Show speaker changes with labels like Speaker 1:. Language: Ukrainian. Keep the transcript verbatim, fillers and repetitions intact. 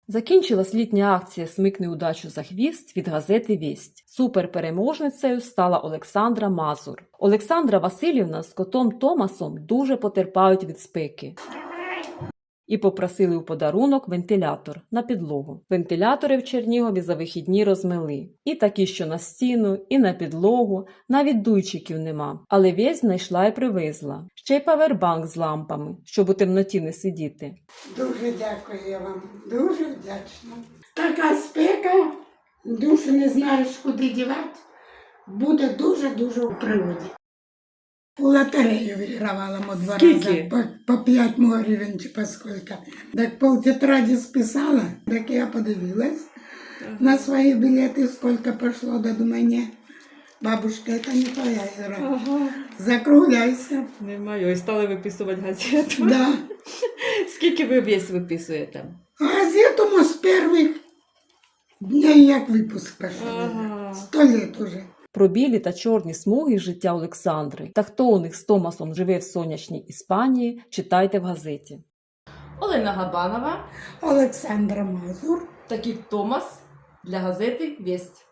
Speaker 1: Закінчилась літня акція «Смикни удачу за хвіст» від газети «Вість». Суперпереможницею стала Олександра Мазур. Олександра Васильівна з котом Томасом дуже потерпають від спеки. І попросили у подарунок вентилятор на підлогу. Вентилятори в Чернігові за вихідні розмили. І такі, що на стіну, і на підлогу, навіть дуйчиків нема. Але Вість знайшла і привезла. Ще й павербанк з лампами, щоб у темноті не сидіти.
Speaker 2: Дуже дякую я вам, дуже вдячна. Така спека, душу не знаєш, куди дівати, буде дуже-дуже у пригоді. У лотерею вигравала ми два рази, по, по п'ять гривень чи по скільки. Так пол тетраді списала, так я подивилась ага. на свої білети, скільки пішло, да думаю, ні, бабушка, це не твоя ігра, ага. закругляйся.
Speaker 1: Не маю, і стали виписувати газету.
Speaker 2: Да.
Speaker 1: Скільки ви весь виписуєте?
Speaker 2: Газету ми з перших днів, як випуск пішов, ага. сто літ уже.
Speaker 1: Про білі та чорні смуги життя Олександри та хто у них з Томасом живе в сонячній Іспанії, читайте в газеті. Олена Габанова,
Speaker 2: Олександра Мазур
Speaker 1: та кіт Томас для газети «Вість».